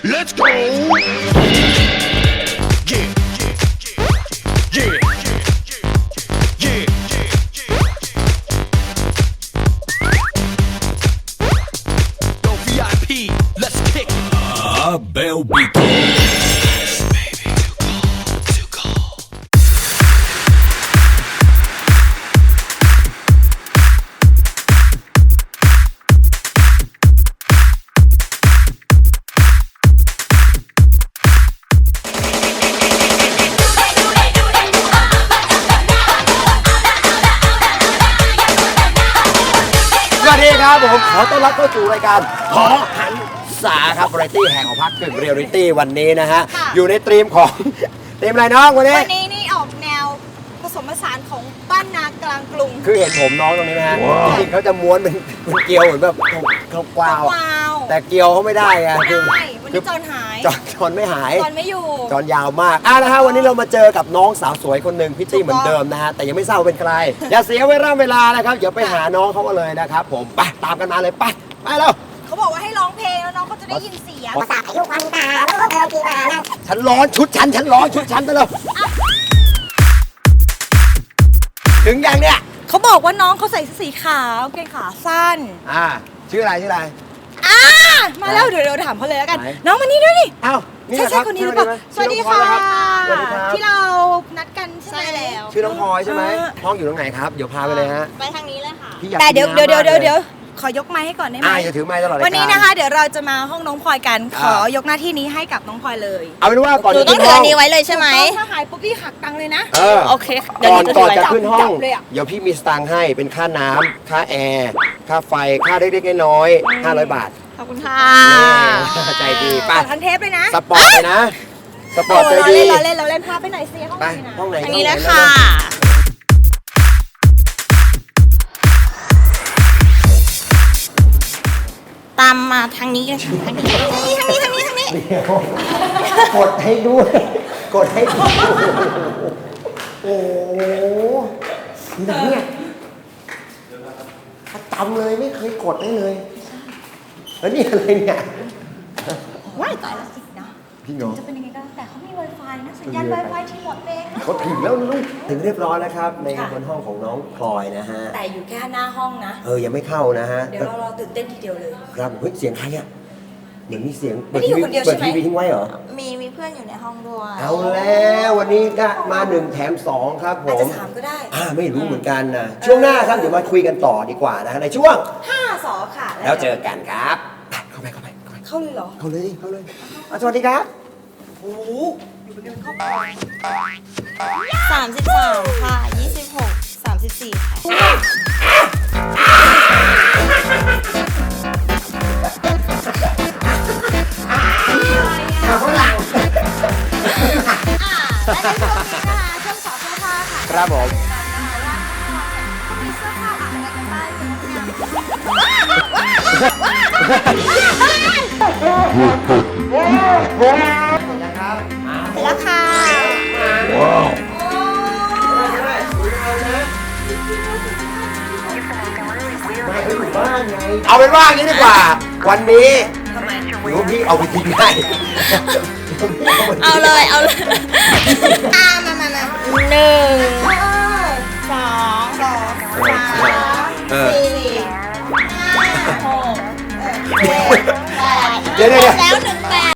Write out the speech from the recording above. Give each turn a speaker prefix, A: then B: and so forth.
A: Let's go. Yeah. Yeah. Yeah. Yo, VIP, let's kick.
B: Abel Beats.
C: สวัสดีครับผมขอต้อนรับเข้าสู่รายการหอหันษาครับวาไรตี้แห่งของพักกึ่งเรียลลิตี้วันนี้นะฮะอยู่ในธีมของธีมอะไรน้องวันนี้
D: วันนี้นี่ออกแนวผสมผสานของบ้านนากลางกรุง
C: คือเห็นผมน้องตรงนี้ไหมฮะจริงๆเขาจะม้วนเป็นเกลียวเหมือนแบบเขากวาว
D: ว้าว
C: แต่เกลียวเขาไม่ได้ไง
D: ไม่
C: คือ
D: ได้วันนี้จอนหาย
C: จอนไม่หาย
D: จอนไม่อยู่
C: จอนยาวมากนะฮะวันนี้เรามาเจอกับน้องสาวสวยคนหนึ่งพี่ตี้เหมือนเดิมนะฮะแต่ยังไม่ทราบว่าเป็นใครอย่าเสียเวลานะครับเดี๋ยวไปหาน้องเขากันเลยนะครับผมไปตามกันมาเลยไปแล้ว
D: เขาบอกว่าให้ร้องเพลงแล้วน้องเขาจะได้ยินเสียง
E: ภาษาพายุควันตาแล้วก็เบลกีมานะ
C: ฉันร้อนชุดฉันร้อนชุดฉันไปเลยถึงยังเนี่ย
D: เขาบอกว่าน้องเขาใส่เสื้อสีขาวกางเกงขาสั้น
C: ชื่ออะไร
D: มาแล้วเดี๋ยวถามเขาเลยแล้วกัน
C: ไหน
D: น้องมานี่ด้วยนี่
C: อ้าวนี่
D: ใช่
C: เหรอ
D: ใช่
C: รับ
D: คนนี้หรือเปล่าสวัสดีค่ะ
C: สวัสดีครับ
D: ที่เรานัดกันใช่ไหมแล้ว
C: ชื่อน้องพลอยใช่ไหมห้องอยู่ตรงไหนครับเดี๋ยวพาไปเลยฮะ
D: ไปทางนี้เลยค่ะ
C: พี่อยาก
D: แต่เดี๋ยว
C: กินน้ำมากเลย
D: เดี๋ยวขอยกไม้ให้ก่อนได้ไหม
C: อย่าถือไม้ตลอดรายการ
D: วันนี้นะคะ เดี๋ยวเราจะมาห้องน้องพลอยกันขอยกหน้าที่นี้ให้กับน้องพลอยเลย
C: เอาเป็นว่าก่อน
F: หนู
C: จะ
F: ต้อง
C: ขึ้น
F: ถือ
C: ห้
F: อั
C: อง
F: นนี้ไว้เลยใช่ไหม
D: ถ้าหายปุ๊บพี่หักตังค์เลยนะ
F: โอเคเดี๋ยว
C: ก่
F: ห
C: อน
F: นูจะถือไว้
C: จะขึ้นห้อง
D: จับเลยอะ
C: เดี๋ยวพี่มีสตางค์ให้เป็นค่าน้ำค่าแอร์ค่าไฟค่าเล็กๆน้อยๆ500 บาท
D: ขอบคุณค่ะ
C: ใจดี
D: ปั
C: ป่ะ
D: ดทันเทปเลยนะ
C: สปอร์ตเลยนะสปอร์ตใจ
D: เรา
C: ดี
D: เล่นเราเล่นพาไปไหนอยสิห้อง
C: ไป
D: ไหนนะ
C: ห้องไหน
F: อันนี้
C: ห้
F: นะ
C: องไห
F: ค่ะ ตามมาทางนี้กันค่ะทางนี้
C: เดี๋ยวกดให้ด้วยกดให้ด้วยโอ้โหนี่นะเนี่ยประจำเลยไม่เคยกดได้เลยแล้วนี่อะไรเนี่ย
D: ว้ายตายแล้วสินะ
C: พี่น้อง
D: จะเป็นยังไงก็แล้วแต่เขามี Wi-Fi นะสัญญาณ Wi-Fi ที่หมดเองนะ
C: เขาถึงแล้วลูกถึงเรียบร้อยแล้วครับในบนห้องของน้องพลอยนะฮะ
D: แต่อยู่แค่หน้าห้องนะ
C: ยังไม่เข้านะฮะ
D: เดี๋ยวเรารอตื่นเต้นทีเดียวเลย
C: ครับเฮ้ยเสียงใครอ่ะเหมือนมีเสียง
D: ไม่ได้อยู่คนเดียวใช่ไหม
C: เปิดทีวีทิ้งไว้เหรอ
F: มีเพื่อนอยู่ในห้องด้วย
C: เอาแล้ววันนี้ก็มา1แถม2ครับผ
D: อาจจะ
C: ม
D: ถามก็ได้
C: ไม่รู้เหมือนกันนะช่วงหน้าครับเดี๋ยวมาคุยกันต่อดีกว่านะฮะในช่วง
D: 5 สอค่ะ
C: แล้วเจอกันครับไปเข้าไป
D: เข้าเลยเหรอ
C: เข้าเลยดิเข้าเลยสวัสดีครับโอ้โห
F: 33ค่ะ26 34ค่ะ
C: ข้างหลัง
D: และในช่วงนี้นะคะช่วงสอเสื้อผ้าค่ะ
C: ครับผม
D: เขามีเสื้อผ้าอะไรกันบ้าง
C: นะครับ
D: เสร็จแล้วค่ะ
C: เอาเป็นว่าอย่างนี้ดีกว่า วันนี้
D: ทำไม
C: หนูพี่เอาไปทิ้งได้
F: เอาเลยมา1 2 3
C: เออ
F: 4 5 6 7
C: เดี๋ยว
F: แล้ว1 8